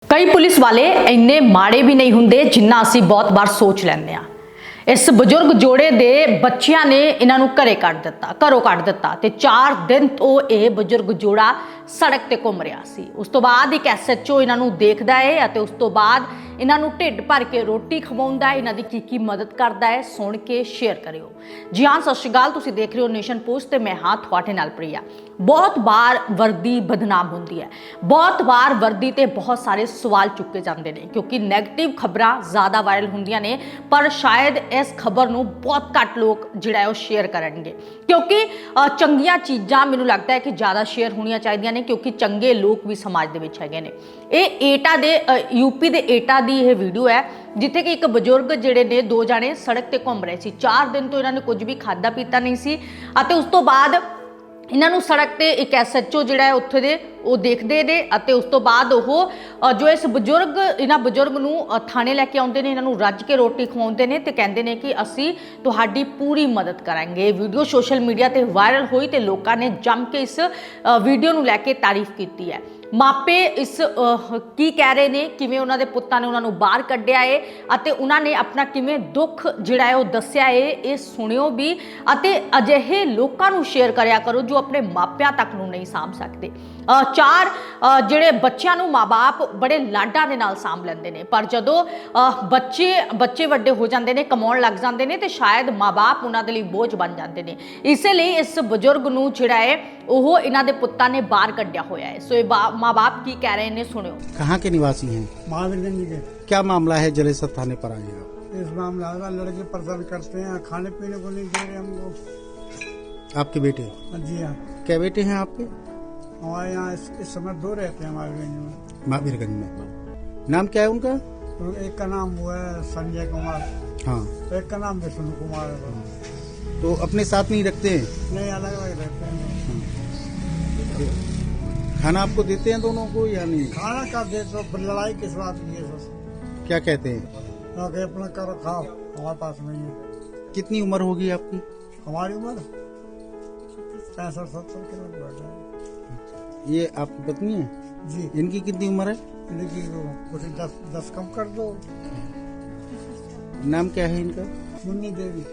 कई पुलिस वाले इन्ने माड़े भी नहीं हुंदे जिन्ना असीं बहुत बार सोच लैंदे आ। इस बजुर्ग जोड़े दे बच्चियां ने इन्हां नूं घरों कढ दित्ता ते 4 दिन तो यह बजुर्ग जोड़ा सड़क ते घूम रहा सी। उस तो बाद एक SHO इन्हां नूं देखदा है अते उस तो बाद इन्हां नूं ढिड भर के रोटी खवाउंदा है। इन्हां दी की मदद करदा है, सुन के शेयर करियो। जी हाँ, सत श्री अकाल, तुसीं देख रहे हो नेशन पोस्ट ते मैं हाँ तुहाडे नाल प्रिया। बहुत बार वर्दी बदनाम होंदी है, बहुत बार वर्दी ते बहुत सारे सवाल चुके जाते हैं क्योंकि नैगेटिव खबरां ज़्यादा वायरल होंदियां ने, पर शायद इस खबर नूं बहुत घट लोग जिहड़ा है शेयर करनगे क्योंकि चंगियां चीज़ां मैनूं लगता है कि ज़्यादा शेयर होणियां चाहीदियां ने क्योंकि चंगे लोग भी समाज दे विच हैगे ने। ਇਹ एटा दे यूपी दे एटा दी यह वीडियो है जिथे कि एक बजुर्ग जिहड़े ने 2 जाने सड़क ते घूम रहे सी। 4 दिन तो इन्होंने कुछ भी खादा पीता नहीं सी अते उस तो बाद इन्हों सड़क ते एक SHO जिहड़ा है उत्थे दे वो देखते ने अते उस तो बाद वो जो इस बजुर्ग इन्हां बजुर्ग नूं थाने लैके आउंदे ने, इन्हां नूं रज के रोटी खवाउंदे ने ते कहंदे ने कि असीं तुहाडी पूरी मदद करांगे। वीडियो सोशल मीडिया ते वायरल हुई ते लोकां ने जम के इस वीडियो नूं लैके तारीफ कीती है। मापे इस की कह रहे ने, किवें उन्हां दे पुत्तां ने उन्हां नूं बाहर कढिया है अते उन्हां ने अपना किवें दुख जिहड़ा है वो दस्सिया है। ये सुणियो भी अते अजिहे लोकां नूं शेयर करया करो जो अपने मापिਆਂ तक नूं नहीं साਂਭ सकते। 4 ਜਿਹੜੇ ਬੱਚਿਆਂ ਨੂੰ ਮਾਂ-ਬਾਪ बड़े ਲਾਡਾਂ ਦੇ ਨਾਲ ਸਾਂਭ ਲੈਂਦੇ ਨੇ, ਪਰ ਜਦੋਂ ਬੱਚੇ ਵੱਡੇ ਹੋ ਜਾਂਦੇ ਨੇ, ਕਮਾਉਣ ਲੱਗ ਜਾਂਦੇ ਨੇ ਤੇ ਸ਼ਾਇਦ ਮਾਂ-ਬਾਪ ਉਹਨਾਂ ਦੇ ਲਈ ਬੋਝ ਬਣ ਜਾਂਦੇ ਨੇ। ਇਸੇ ਲਈ ਇਸ ਬਜ਼ੁਰਗ ਨੂੰ ਜਿਹੜਾ ਹੈ ਉਹ ਇਹਨਾਂ ਦੇ ਪੁੱਤਾਂ ਨੇ ਬਾਹਰ ਕੱਢਿਆ ਹੋਇਆ ਹੈ। ਸੋ ਇਹ माँ-बाप की कह रहे हैं, सुनियो। कहाँ के निवासी हैं? महावीरगंज के। क्या मामला है जलेसर थाने पर आए हैं? इस मामला है लड़के परेशान करते हैं, खाने पीने को नहीं दे रहे हमको। आपके बेटे? जी हाँ। क्या बेटे हैं आपके? हमारे यहाँ इस समय 2 रहते हैं महावीरगंज में। महावीरगंज में। नाम क्या है उनका? तो एक का नाम हुआ है संजय कुमार। हाँ। तो एक का नाम विष्णु कुमार है। तो अपने साथ नहीं रखते हैं? नहीं, अलग अलग रहते हैं। खाना आपको देते हैं दोनों को या नहीं? खाना का दे तो लड़ाई किस बात की है सर? क्या कहते हैं? आगे अपना करो खाओ, हमारे पास नहीं है। कितनी उम्र होगी आपकी? हमारी उम्र 65-70 के लोग बैठे हैं। ये आपकी पत्नी है? जी। इनकी कितनी उम्र है? इनकी कुछ 10 कम कर दो। नाम क्या है इनका? मुन्नी देवी।